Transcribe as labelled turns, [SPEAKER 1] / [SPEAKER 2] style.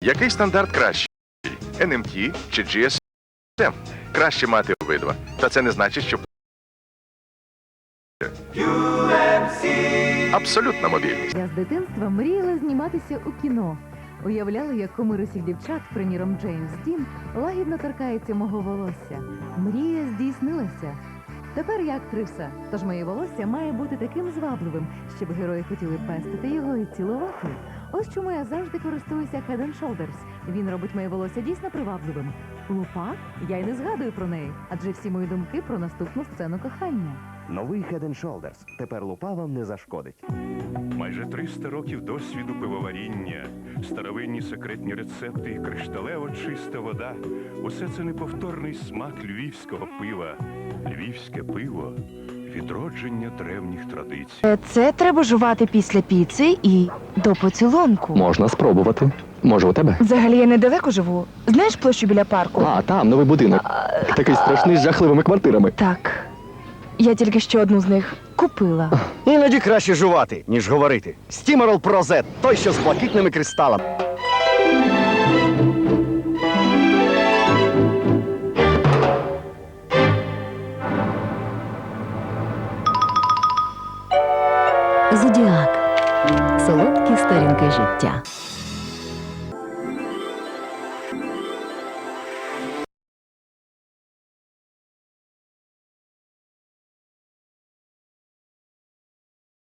[SPEAKER 1] Який стандарт кращий? NMT чи GSM? Краще мати обидва. Та це не значить, що абсолютна мобільність.
[SPEAKER 2] Я з дитинства мріяла зніматися у кіно. Уявляла, як кумир усіх дівчат, приміром Джеймс Дін, лагідно торкається мого волосся. Мрія здійснилася. Тепер я актриса, тож моє волосся має бути таким звабливим, щоб герої хотіли пестити його і цілувати. Ось чому я завжди користуюся Head & Shoulders. Він робить моє волосся дійсно привабливим. Лупа? Я й не згадую про неї, адже всі мої думки про наступну сцену кохання.
[SPEAKER 3] Новий Head & Shoulders. Тепер лупа вам не зашкодить.
[SPEAKER 4] Майже 300 років досвіду пивоваріння, старовинні секретні рецепти і кришталево чиста вода. Усе це неповторний смак львівського пива. Львівське пиво – відродження древніх традицій.
[SPEAKER 5] Це треба жувати після піци і до поцілунку.
[SPEAKER 6] Можна спробувати. Може, у тебе?
[SPEAKER 5] Взагалі я недалеко живу. Знаєш площу біля парку?
[SPEAKER 6] А, там новий будинок. Такий страшний з жахливими квартирами.
[SPEAKER 5] Так. Я тільки що одну з них купила.
[SPEAKER 3] Іноді краще жувати, ніж говорити. Стімерол Про Z, той, що з блакитними кристалами.
[SPEAKER 2] Зодіак. Солодкі сторінки життя.